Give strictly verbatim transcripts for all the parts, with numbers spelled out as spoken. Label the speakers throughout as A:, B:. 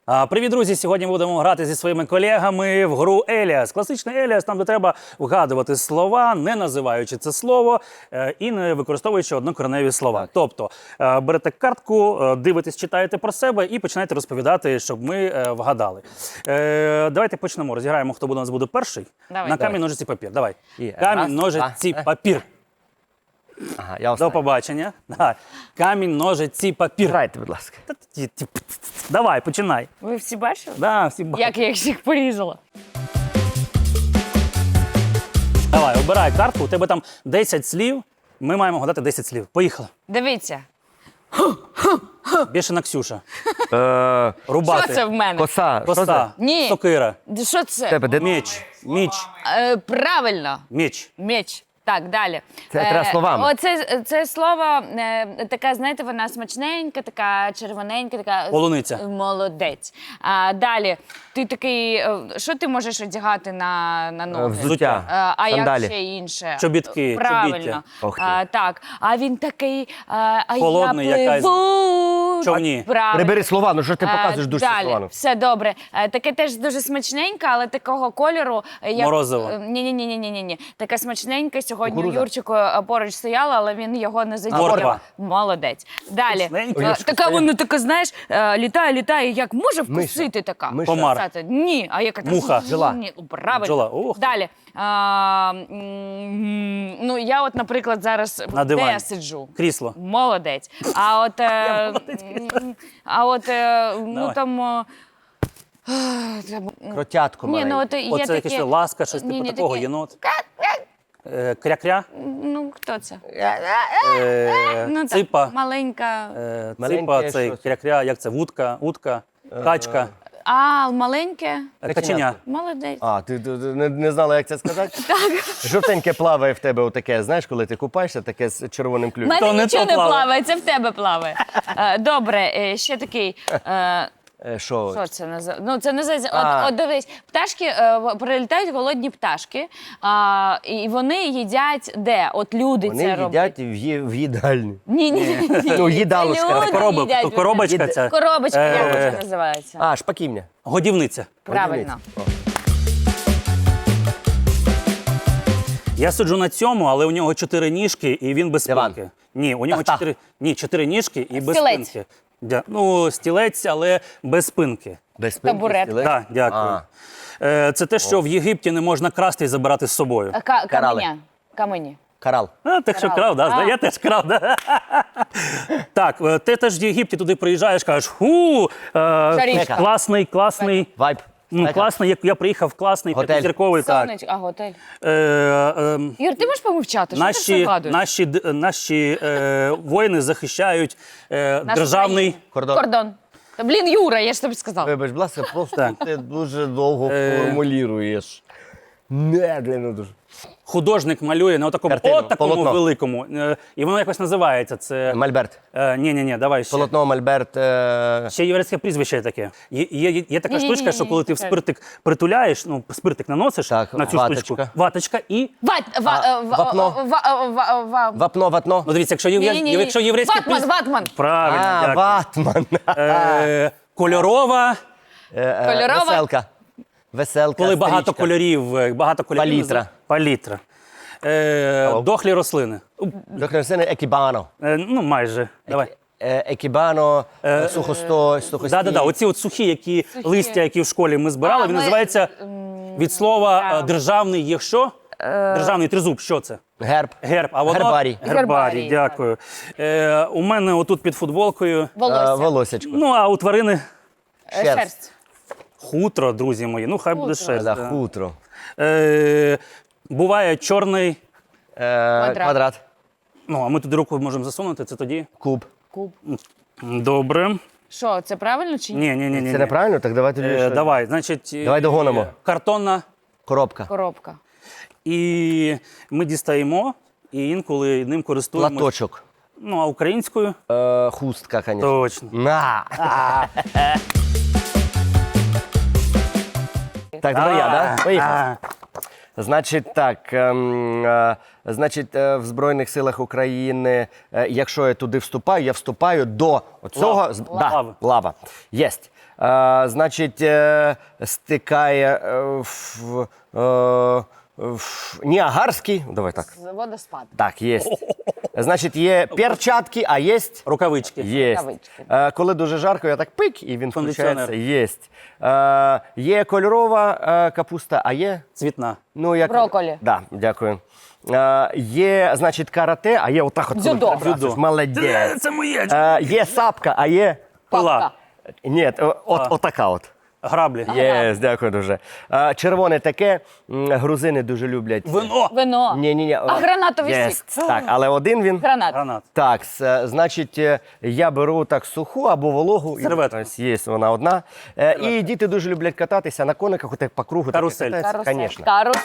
A: Привіт, друзі! Сьогодні будемо грати зі своїми колегами в гру Еліас. Класичний Еліас, там де треба вгадувати слова, не називаючи це слово і не використовуючи однокореневі слова. Тобто берете картку, дивитесь, читаєте про себе і починаєте розповідати, щоб ми вгадали. Давайте почнемо. Розіграємо, хто буде у нас буде перший.
B: Давай.
A: На
B: Давай.
A: камінь, ножиці, папір. Давай.
C: І
A: Камінь,
C: раз,
A: ножиці,
C: два.
A: папір.
C: Ага, я
A: До
C: останній.
A: побачення. Давай. Камінь, ножиці, папір.
C: Грайте, будь ласка.
A: Давай, починай.
B: Ви всі бачили?
A: Да, всі бачать.
B: Як я їх порізала?
A: Давай, обирай картку, у тебе там десять слів, ми маємо гадати десять слів. Поїхали.
B: Дивіться,
A: Більше на Ксюша.
C: Е,
A: Рубати.
B: що це в мене?
C: Коса. Що це?
A: Коса.
B: Ні.
A: Сокира.
B: Що це?
C: Тебе де?
A: Меч. Міч.
B: Е, правильно,
A: Меч.
B: меч. Так, далі.
C: Це треба словами.
B: Оце, це слово, е, така, знаєте, вона смачненька, така червоненька, така...
A: Полуниця.
B: Молодець. А, далі, ти такий, е, що ти можеш одягати на, на ноги?
C: Взуття.
B: Е, А
C: Сандалі.
B: як ще інше?
A: Чобітки,
B: Правильно.
A: чобіття.
C: Ох ти.
B: А, так, а він такий, а, а
A: Холодний
B: я
A: якась.
B: пливу.
A: Човні.
B: Правильно.
C: Прибери слова, ну що ж ти показуєш
B: Е,
C: дуже
B: далі.
C: слова?
B: Все добре. Е, Таке теж дуже смачненьке, але такого кольору. е, Як...
A: Морозиво.
B: Ні, ні, ні, ні, ні, ні. Таке смачненьке. Сьогодні
C: Кукурудза.
B: Юрчику е, поруч стояла, але він його не задіяв.
A: Морква.
B: Молодець. Далі.
A: Смачненьке.
B: Е,
C: Юрчику
B: Така
C: стояла.
B: вона така, знаєш, е, літає, літає. Як може вкусити така?
C: Миша.
A: Комар.
B: Сказати, ні, а яка
A: Муха.
C: Бджола.
B: Ні, правильно.
A: Бджола. Ух ти.
B: Далі. А, м, ну, я от, наприклад, зараз
A: На
B: де
A: дивані.
B: я сиджу?
A: Крісло.
B: Молодець. А от, е, м, а от е, ну
A: Давай.
B: там. е, треба-
C: Кротятко
B: Ні,
C: маленьке.
B: ну от є
A: Оце
B: такі...
A: якесь ласка, щось
B: Ні,
A: типу
B: ні,
A: такого,
B: такі-
A: єнот. Е, Кря-кря.
B: Ну, хто це?
A: Е,
B: Ну, так,
A: Ципа.
B: маленька.
A: Е,
C: Маленьке
A: Ципа, цей
C: щось.
A: кря-кря, як це? Вудка, утка, качка,
B: А, маленьке?
A: е, каченя.
B: Молодець.
C: А, ти, ти, ти не, не знала, як це сказати? Так. Жовтеньке плаває в тебе отаке, знаєш, коли ти купаєшся, таке з червоним
B: У
C: клювом.
B: мене
A: То не
B: нічого
A: то
B: не
A: плаває.
B: плаває, це в тебе плаває. Е, Добре, е, ще такий. е,
C: Е, Що?
B: Що це називається? Ну, це називається.
C: А.
B: От, от дивись, пташки е, в- прилітають голодні пташки, а, і вони їдять де? От люди
C: Вони
B: це роблять.
C: їдять в, ї- в їдальні.
B: Ні, ні, ні.
C: Ну, їдалочка.
B: Люди
A: Коробок,
B: їдять.
A: коробочка
B: Їд-
A: ця.
B: Коробочка,
A: Е,
B: як це називається?
C: А, шпаківня.
A: Годівниця.
B: Правильно.
A: Я сиджу на цьому, але у нього чотири ніжки і він без
C: Диван.
A: спинки. Ні, у нього
C: Тахта.
A: чотири, ні, чотири ніжки і без
B: Стілець.
A: спинки. Дя- Ну, стілець, але без спинки.
C: Без спинки,
B: Табурет.
C: стілець.
A: Так, дякую.
C: А.
A: Е, Це те, що в Єгипті не можна красти і забирати з собою.
B: А, ка-
C: Карали.
B: Каменя. Камені.
C: Карал.
A: А, так що
B: Крав.
A: крав, да?
B: А.
A: Я теж крав, да? Так, е, ти теж в Єгипті туди приїжджаєш, кажеш, ху, е,
B: Шарічка.
A: класний, класний.
C: Вайб.
A: Ну,
C: Спека.
A: класний, як я приїхав в класний,
C: Готель.
A: п'ятизірковий, так.
B: Сонечко, а готель.
A: Е, е,
B: Юр, ти можеш помовчати? Що ти все
A: Наші,
B: вгадуєш?
A: наші, д- наші е, воїни захищають е,
B: Нашу
A: державний
B: країну.
C: Кордон.
B: Кордон. Та, блін, Юра, я ж тобі сказала.
C: Вибач, будь ласка, просто
A: Так.
C: ти дуже довго
A: Е.
C: формулюєш. Медленно дуже.
A: художник малює на такому,
C: Картину,
A: от такому
C: полотно.
A: великому. Е, і воно якось називається. Це
C: Мольберт.
A: е, ні, ні, ні, давай ще.
C: Полотно Мольберт. е,
A: Ще єврейське прізвище є таке. Є, є, є така
B: Ні-ні-ні-ні,
A: штучка, що коли ти в
B: це-
A: спиртик притуляєш, ну, спиртик наносиш
C: Так,
A: на цю
C: ваточка.
A: штучку, ваточка і.
B: Ват, ва,
C: А,
B: е, ва,
C: вапно.
B: ва, ва, ва,
C: Вапно, ватно.
A: Ну, дивіться, якщо, є,
B: Ні-ні-ні.
A: якщо єврейське
B: Ватман,
A: прізвище.
B: ватман.
A: Правильно,
C: А,
A: дякую.
C: ватман.
A: Е, кольорова,
C: Е, е,
B: Кольорова?
C: Веселка. Веселка.
A: коли багато
C: стрічка.
A: кольорів, е, багато кольорів.
C: Палітра.
A: Палітра. Е,
C: Алло.
A: дохлі рослини.
C: Доктор Сене, екібано.
A: Е, ну, майже. Давай.
C: Е, Екібано,
A: Е,
C: сухосто, сухості.
A: Да, да, да. Оці от сухі, які листя, які в школі ми збирали,
B: А,
A: він
B: ми-
A: називається від слова е,
B: так.
A: державний є що? Державний тризуб, що це?
C: Герб.
A: Герб. А воно?
C: Гербарій.
A: Гербарій,
B: Гербарій,
A: дякую. Е, у мене отут під футболкою.
C: Е,
B: Волосся.
C: волосечко.
A: Ну, а у тварини
B: Е,
C: шерсть.
B: Шерсть.
A: хутро, друзі мої. Ну, хай буде
B: Хутро.
A: шерсть.
C: Да,
A: да.
C: хутро.
A: Е, буває чорний.
C: Е, Квадрат.
A: Ну, а ми туди руку можемо засунути, це тоді.
C: Куб.
B: Куб.
A: Добре.
B: Що, це правильно чи ні?
A: Ні, ні, ні, ні.
C: Це неправильно? Так давай тоді.
A: Е,
C: що?
A: давай, значить. е,
C: Давай догонимо.
A: Картонна.
C: Коробка.
B: Коробка.
A: І ми дістаємо, і інколи ним користуємося.
C: Платочок.
A: Ну, а українською?
C: Е, хустка, звісно.
A: Точно.
C: На. Так, давай я, да? Поїхав.
A: А,
C: Значить так, ем, е, значить, е, в Збройних силах України, е, якщо я туди вступаю, я вступаю до цього.
A: Лав.
C: з-
A: Лави.
C: Да, лава. Єсть. Е, значить, е, стикає е, в, е, в Ніагарський. Давай так.
B: Водоспад.
C: Так, є. Значить, є перчатки, а є.
A: Рукавички.
C: Є.
B: Рукавички.
C: Е, коли дуже жарко, я так пик, і він
A: Кондиціонер.
C: включається. Єсть. Е, є кольорова е, капуста, а є.
A: Цвітна.
C: Ну, як...
B: Брокколі.
C: Да, дякую. Е, є, значить, карате, а є отак от.
B: Дзюдо.
C: коли перебрасуєш.
A: Дзюдо.
C: Молодець.
A: Це моє.
C: Е, є сапка, а є.
A: Пила.
C: Ні, о- от, отака от.
A: Граблі.
C: Є, дякую дуже. Е, червоне таке, м, грузини дуже люблять.
A: Вино.
B: Вино.
C: Ні, ні, ні.
B: А гранатовий
C: Є,
B: сік?
C: Так, але один він.
B: Гранат.
A: Гранат.
C: Так, с- значить, е, я беру так суху або вологу. і
A: Серветку.
C: ось Є вона одна. Е, І діти дуже люблять кататися на кониках, отак по кругу.
A: Карусель.
B: Карусель.
C: Звісно.
B: Карусель.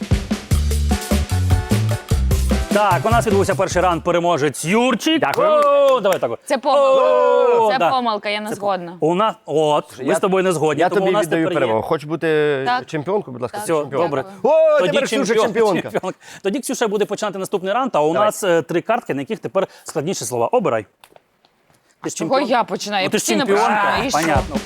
A: Так, у нас відбувся перший раунд, переможець Юрчик.
C: Дякую.
A: О, давай так. от.
B: Це помилка.
A: О,
B: Це
A: да.
B: помилка, я не згодна.
A: У нас, от, ми
C: Я-
A: з тобою не згодні,
C: Я
A: тому
C: тобі
A: у нас
C: віддаю
A: тепер
C: перемогу.
A: є.
C: Хочеш бути
B: Так.
C: чемпіонкою, будь ласка?
A: Все,
C: чемпіонка.
A: добре.
C: О,
A: Тоді
C: тепер Ксюша
A: чемпіон-
C: чемпіонка.
A: чемпіонка. Тоді Ксюша буде починати наступний раунд, а у
C: Давай.
A: нас е, три картки, на яких тепер складніші слова. Обирай. Ти ж
B: Чого
A: чемпіон-
B: я починаю? Я
A: Ну, ти ж
B: постійно
A: чемпіонка,
B: починаю. І що?
A: понятно.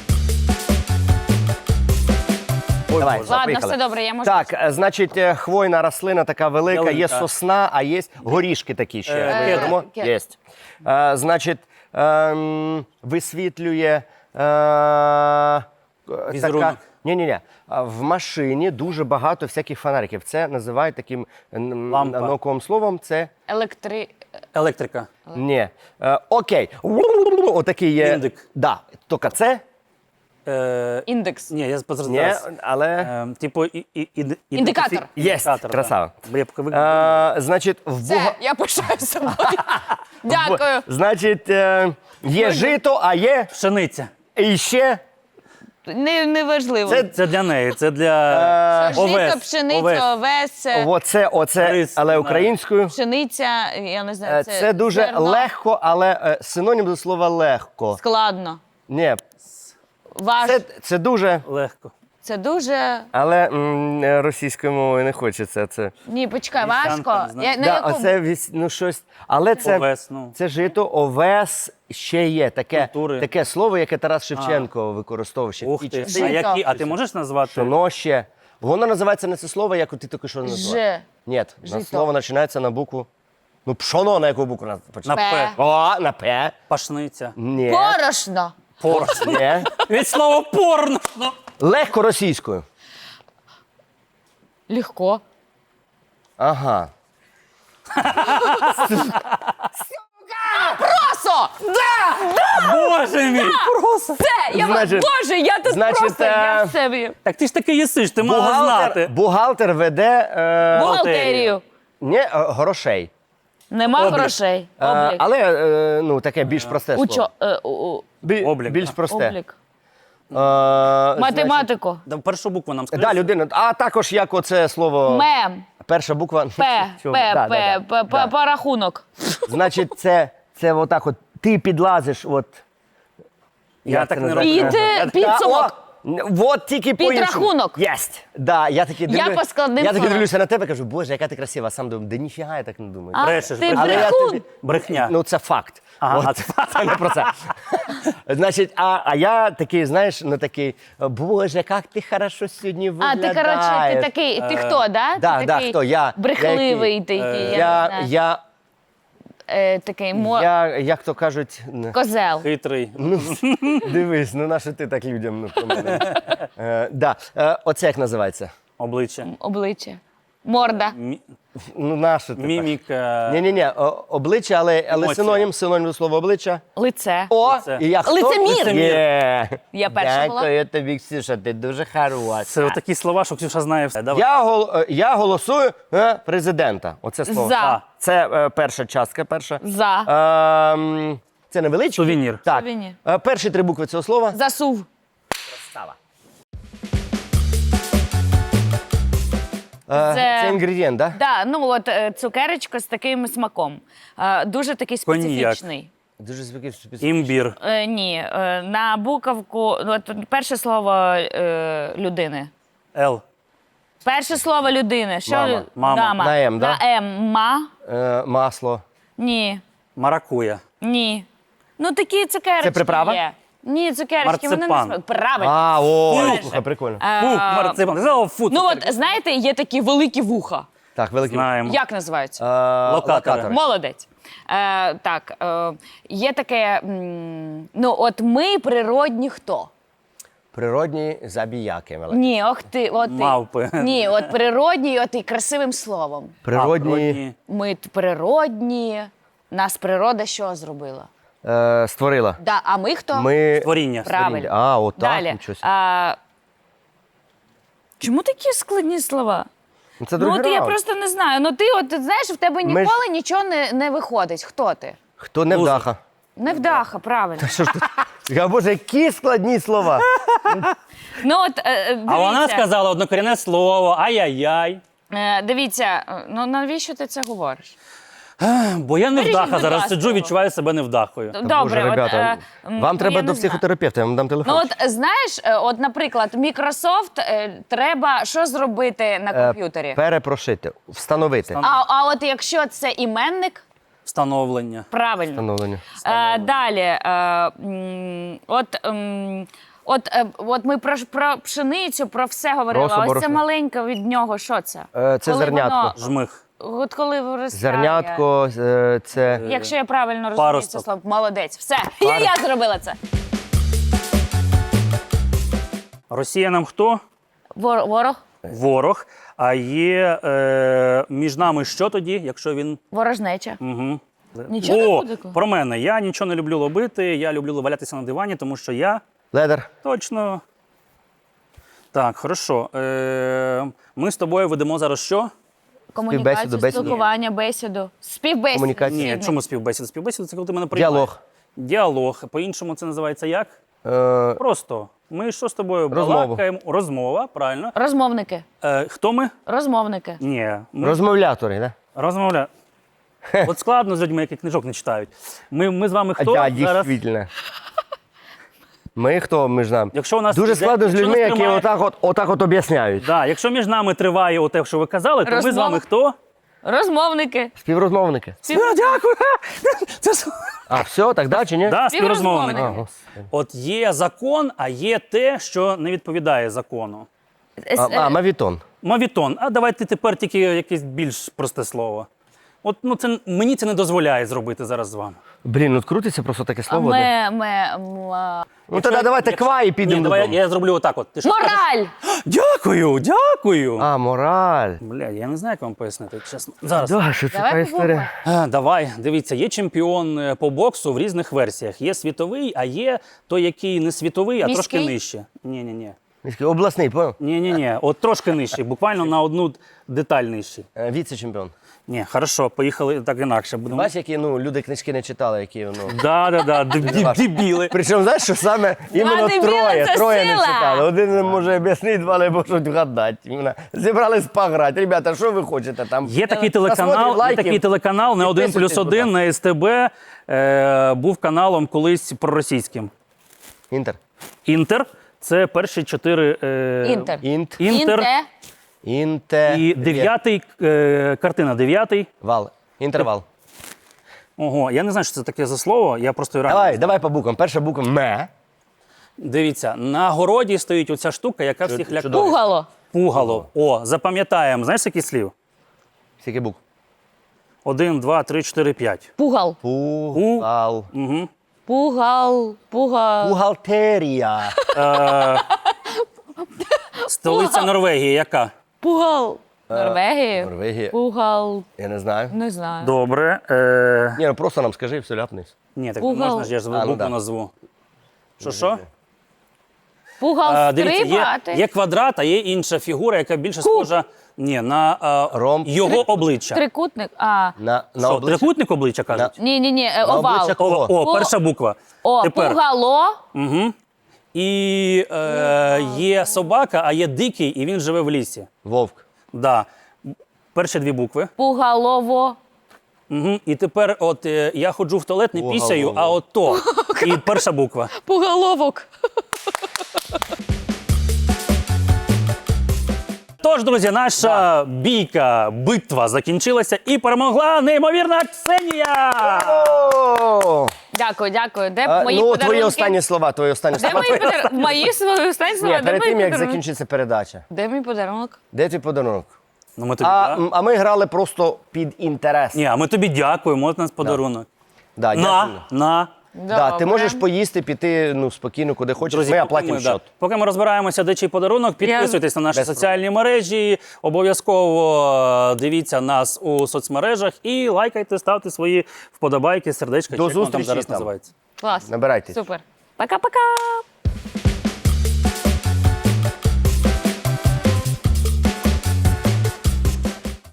C: Ой, давай,
B: Ладно,
C: поїхали.
B: все добре, я можу.
C: Так, е, значить, е, хвойна рослина така велика, є
A: Ялинка.
C: сосна, а є горішки такі ще.
A: Е,
C: Ми
A: кедр.
C: їмо?
B: кедр.
C: Є. Е, Значить, ем, висвітлює е, така...
A: Візерунок.
C: Ні-ні-ні. А В машині дуже багато всяких фонариків. Це називають таким м,
A: Лампа.
C: науковим словом. Це
B: Електри...
A: Електрика.
C: ні. Е, окей. Отакий є.
A: Індик.
C: Да. Тільки це?
A: Е,
B: Індекс.
A: ні, я
C: Ні,
A: зараз.
C: але...
A: Е, типу, і, і, і,
B: Індикатор.
C: Єсть,
A: Індикатор,
C: красава.
A: Да. Я поки ви-
C: Е, значить, в
B: Все,
C: буга...
B: я пишаю собою. Дякую.
C: Значить, е, є жито, а є
A: Пшениця.
C: і ще.
B: Не, не важливо.
C: Це-
A: Це для неї, це для
C: Е,
B: Жито,
A: овес.
B: пшениця,
A: овес.
B: овес, е,
C: Оце, оце,
A: Рис,
C: але
A: знаю.
C: українською.
B: пшениця, я не
C: Е,
B: знаю,
C: Це,
B: це,
C: дуже
B: зерно.
C: легко, але е, синонім до слова легко.
B: Складно.
C: Ні,
B: Важ.
C: це,
B: Це,
C: це дуже,
A: Легко.
B: дуже...
C: але м, е, російською мовою не хочеться це.
B: Ні, почекай,
A: Вівсянка,
B: важко.
A: не знаю.
B: Я, на
C: Да,
B: якому...
C: оце вісь- ну, щось. Але це,
A: Овес, ну.
C: це жито, овес ще є. Таке,
A: Культури.
C: таке слово, яке Тарас Шевченко використовував ще в
A: Ух
C: ті
A: ти.
C: часи.
A: А,
B: Жито.
A: які, а ти можеш назвати?
C: Воно ще. Воно називається не це слово, як ти тільки що назвав.
B: Ж.
C: Ні, на
B: Жито.
C: слово починається на букву. Ну, пшоно на яку букву на-
A: На
C: починається?
B: П.
A: П.
C: О, на П.
A: Пашниця.
C: Ні.
B: Порошно.
A: Порно.
C: Ні.
A: Від слова порно. Ну.
C: Легко російською.
B: Легко.
C: Ага.
B: Просо!
A: Боже мій. Просто.
B: Це, я
C: Значить-
B: Боже, я тут
C: значить,
B: просто, я
C: е,
B: в себе.
A: Так ти ж таки їсиш, ти мала
C: Бухгалтер,
A: знати.
C: бухгалтер веде е,
B: Бухгалтерію.
C: не, е, грошей.
B: Нема
A: Облік.
B: грошей.
C: Е,
B: Облік.
C: але е, ну, таке більш просте слово.
B: Учо, е, у- у-
C: Бі-
A: Облік,
C: Більш
A: так.
C: просте.
B: облік.
C: Е, значить,
B: Математику.
A: Да, першу букву нам скажи.
C: Да, людина. А також як оце слово.
B: Мем.
C: Перша буква.
B: П.
C: Цього-
B: П.
C: да,
B: П.
C: да, да,
B: П.
C: да.
B: П. Порахунок.
C: Значить, це, це отак от. Ти підлазиш, от.
A: Я
C: як
A: так
C: це
A: не
C: називається?
A: роблю.
B: Під,
C: Я
B: е,
C: така,
B: підсумок.
C: о, От тільки по-іншому.
B: Підрахунок.
C: Єсть. Да, я таки
B: Я
C: дивлю-
B: по складним
C: Я таки
B: словам.
C: дивлюся на тебе, кажу, боже, яка ти красива. А сам думаю, да ніфіга я так не думаю.
B: А,
A: Брешеш,
B: ти
A: брешеш.
C: Але я
B: брехун.
C: тобі-
A: Брехня.
C: Ну, це факт.
A: Ага,
C: От,
A: а це-
C: це не про це. Значить, а, а я такий, знаєш, ну такий, боже, як ти хорошо сьогодні
B: А,
C: виглядаєш.
B: ти, коротше, ти такий, ти хто, да?
C: да,
B: ти
C: да,
B: такий
C: хто? Я.
B: брехливий,
C: Я
B: ти який, я,
C: Я,
B: не знаю.
C: я,
B: Е, такий мо...
C: я, як то кажуть, н-
B: козел.
A: Хитрий.
C: ну, дивись, ну на що ти так людям ну, про мене? Е, да. е, оце як називається?
A: Обличчя.
B: Обличчя. Морда.
A: Мі-
C: Ну, на що ти так?
A: Міміка.
C: Ні-ні-ні, о- обличчя, але, але
A: Емоція.
C: синонім, синонім до слова обличчя.
B: Лице.
C: О,
A: Лице.
C: і я хто?
B: Лицемір.
A: Лицемір.
C: Є.
B: Я перша була.
C: Дякую тобі, Ксюша, ти дуже хороша.
A: Це такі слова, що Ксюша знає все. Давай.
C: Я, гол, е, я голосую е, президента. Оце слово.
B: За.
C: Це е, перша частка, перша.
B: За.
C: Ем, це невеличкий.
A: Сувенір.
C: Так.
B: Сувенір.
C: Е, перші три букви цього слова.
B: Засув.
C: Става. Е,
B: Це-
C: це інгредієнт, так? Да?
B: Да, ну от е, цукерочка з таким смаком. Е, дуже такий
A: Коньяк.
B: специфічний.
C: Дуже специфічний.
A: Імбір.
B: Е, ні, е, на буковку, ну, от перше слово е, людини.
A: Л.
B: Перше слово людини. Що
C: Мама.
B: лю-
A: Мама.
B: Дама.
C: На М, да?
B: На М. Ма?
C: Е, масло.
B: Ні.
A: Маракуя.
B: Ні. Ну такі цукерочки
C: Це приправа?
B: є. Ні, цукерочки, вони не
A: Марципан.
B: смак. Правильно.
C: А, о,
B: Правильно.
C: слухай, прикольно.
B: Е,
A: Фу, марципан. Ти сказала, фу,
B: Ну
A: цукерки.
B: от, знаєте, є такі великі вуха.
C: Так, великий.
A: Знаємо.
B: Як називаються?
C: Е,
A: Локатори.
B: Молодець. Е, так, е, є таке, м, ну от ми природні хто?
C: Природні забіяки. великі.
B: Ні, ох ти, от ти.
A: Мавпи.
B: Ні, от природні, от і красивим словом.
C: Природні
B: Ми т- природні, нас природа що зробила?
C: е, створила.
B: Да, а ми хто?
C: Ми...
A: Творіння.
B: Правильно.
C: А, отак,
B: Далі.
C: нічого собі.
B: А, чому такі складні слова?
C: Ну, це
B: Ну
C: другий
B: от я
C: раунд.
B: просто не знаю. Ну ти от ти знаєш, в тебе
C: Ми ж-
B: ніколи нічого не, не виходить. Хто ти?
C: Хто не
A: Лузер.
C: вдаха?
B: Невдаха, правильно.
C: Що ж тут? Я, Боже, які складні слова.
B: Ну от е, дивіться,
A: А вона сказала однокорінне слово, ай-яй-яй.
B: е, дивіться, е, ну навіщо ти це говориш?
A: Бо я не
B: Вирішіть,
A: вдаха
B: будь
A: зараз
B: ласка,
A: сиджу,
B: його.
A: відчуваю себе невдахою.
B: Добре,
C: Боже,
B: от,
C: ребята,
B: е, м,
C: вам
B: ну,
C: треба
B: я
C: до
B: не знаю.
C: психотерапевта, я вам дам телефон.
B: Ну от знаєш, е, от, наприклад, Microsoft е, треба що зробити на
C: Е,
B: комп'ютері?
C: Перепрошити, встановити.
B: А, а от якщо це іменник,
A: Встановлення.
B: правильно.
C: Встановлення.
B: Е, далі, е, м, от, ем, от, е, от ми про, про пшеницю, про все говорили.
C: Росу,
B: а Ось це
C: борошно.
B: маленьке від нього, що це?
C: Е, це
B: Коли
C: зернятко.
B: воно-
A: Жмих.
B: От коли виростає.
C: Зернятко, е, це
B: Якщо я правильно розумію
A: Паросток.
B: це слово, молодець. Все, я, я зробила це.
A: Росія нам хто?
B: Вор, ворог,
A: Ворог. А є е, між нами що тоді, якщо він.
B: ворожнеча.
A: Угу.
B: Нічого не
A: О,
B: буде такого?
A: про мене. Я нічого не люблю робити, я люблю валятися на дивані, тому що я
C: ледер.
A: точно. Так, хорошо. Е, ми з тобою ведемо зараз що?
B: Комунікацію,
C: Співбесіду, бесіду.
B: спілкування, бесіду. Співбесіду.
C: Комунікацію.
A: Ні, чому співбесіда? Співбесіда це коли ти мене приймаєш.
C: Діалог.
A: Діалог. По-іншому це називається як?
C: Е,
A: Просто. Ми що з тобою
C: Розмову.
A: балакаємо? Розмова, правильно.
B: Розмовники.
A: Е, хто ми?
B: Розмовники.
A: Ні. Ми
C: розмовлятори, да?
A: розмовля. От складно з людьми, які книжок не читають. Ми, ми з вами хто?
C: А,
A: зараз?
C: дійсно. Ми хто між нами?
A: Якщо у нас
C: Дуже
A: іде-
C: складно з
A: якщо
C: людьми,
A: нас
C: які
A: тримає-
C: отак от, отак от об'ясняють.
A: Да, якщо між нами триває оте, що ви казали, то ми з
B: Розмова.
A: вами хто?
B: Розмовники.
C: Співрозмовники.
A: А, дякую. Це с-
C: А, все, так да чи ні?
A: да,
B: Співрозмовники.
A: співрозмовники.
C: А, господи.
A: От є закон, а є те, що не відповідає закону.
C: А, а, мавітон.
A: Мавітон. А давайте тепер тільки якесь більш просте слово. От ну це мені це не дозволяє зробити зараз з вами.
C: Блін, ну крутиться просто таке
B: А
C: слово. де.
B: Ми, ми, м, а,
C: Ну тоді давайте
A: Якщо-
C: ква і підемо
A: Ні, давай я,
C: додому.
A: я зроблю отак. От. Ти що скажеш?
B: Мораль!
A: Дякую, дякую.
C: А, мораль.
A: Бля, я не знаю, як вам пояснити, чесно. Зараз.
C: Да, що це
B: Давай
C: така історія?
A: А, давай, дивіться, є чемпіон е, по боксу в різних версіях. Є світовий, а є той, який не світовий, а
B: Міський?
A: трошки нижче. Ні, ні, ні.
C: Міський, обласний, понял?
A: Ні, ні, ні. От трошки нижчий, буквально на одну деталь нижчий.
C: Е, Віце-чемпіон.
A: Ні, хорошо, поїхали так інакше. Будемо.
C: Бачиш, які ну, люди книжки не читали, які ну.
A: Да, да, да, деб- деб- дебіли.
C: Причому, знаєш, що саме іменно
B: дебіли,
C: троє,
B: це
C: троє не
B: сила.
C: читали. Один не може об'яснити, два не можуть вгадати. Іменно Зібрались пограти. Ребята, що ви хочете там?
A: Є такий
C: Посмотрим
A: телеканал, є
C: лайки.
A: такий телеканал на один
C: Підписуйтесь,
A: плюс один
C: будь
A: на ес те бе. Е, був каналом колись проросійським.
C: Інтер.
A: Інтер. Це перші чотири. Е,
B: Інтер.
C: Інт.
A: Інтер.
B: Інте.
C: Інте.
A: І дев'ятий, е, картина дев'ятий.
C: Вал. Інтервал.
A: Ого, я не знаю, що це таке за слово, я просто реально.
C: Давай, давай по буквам. Перша буква Ме.
A: Дивіться, на городі стоїть оця штука, яка всіх лякає.
C: чудово.
B: Пугало.
A: Пугало. О, запам'ятаємо. Знаєш, який слів?
C: Скільки букв?
A: Один, два, три, чотири, п'ять.
B: Пугал.
C: Пугал.
A: Угу.
B: Пугал. Пугал.
C: Бухгалтерія.
A: Столиця Норвегії яка?
B: Пугал. Норвегії.
C: Норвегія.
B: Пугал.
C: Я не знаю.
B: Не знаю.
A: Добре. Е...
C: Ні, ну просто нам скажи, все ляпнись.
A: Ні, так
B: Пугал.
A: можна ж, я ж
C: А, ну
A: букву
C: да.
A: назву. Що, що?
B: Пугал
A: Е, дивіться, є,
B: стрибати.
A: є квадрат, а є інша фігура, яка більше схожа ні, на е,
C: Ромб.
A: його обличчя.
B: Трикутник. А.
C: На, на
A: Що,
C: обличчя.
A: трикутник обличчя кажуть?
B: Ні, ні, ні,
C: На
B: овал.
C: обличчя
A: О,
C: кого?
A: о,
B: О.
A: перша буква.
B: О,
A: Тепер.
B: пугало.
A: Угу. І е, є собака, а є дикий, і він живе в лісі.
C: Вовк.
A: Да. Перші дві букви.
B: Пугалово.
A: Угу. І тепер, от е, я ходжу в туалет, не
C: О,
A: пісяю,
C: голово.
A: а от то. І перша буква.
B: Пугаловок.
A: Тож, друзі, наша бійка, битва закінчилася і перемогла неймовірна Ксенія!
C: О!
B: Дякую, дякую. Де
C: А,
B: мої
C: ну,
B: подарунки?
C: твої останні слова, твої останні
B: Де
C: слова.
B: мої подарунки? Мої свої останні слова?
C: Ні,
B: Де
C: перед
B: мої
C: тим, як
B: подарунки?
C: закінчиться передача.
B: Де мій подарунок?
C: Де твій подарунок?
A: Ну, ми тобі,
C: А,
A: да?
C: м, а ми грали просто під інтерес.
A: Ні, а ми тобі дякуємо, от у нас подарунок.
C: Да,
A: На,
C: дякую.
A: на.
C: Да, ти
B: Добре.
C: можеш поїсти, піти ну, спокійно, куди хочеш.
A: Друзі,
C: ми
A: поки
C: оплатимо
A: ми, да,
C: счет.
A: поки ми розбираємося, де чий подарунок, підписуйтесь на наші
C: Без
A: соціальні мережі, обов'язково е, дивіться нас у соцмережах і лайкайте, ставте свої вподобайки, сердечка,
C: До
A: чи як воно там
C: зустрічі
A: зараз
C: там.
A: називається.
B: Клас.
C: Набирайтесь.
B: Супер. Пока-пока.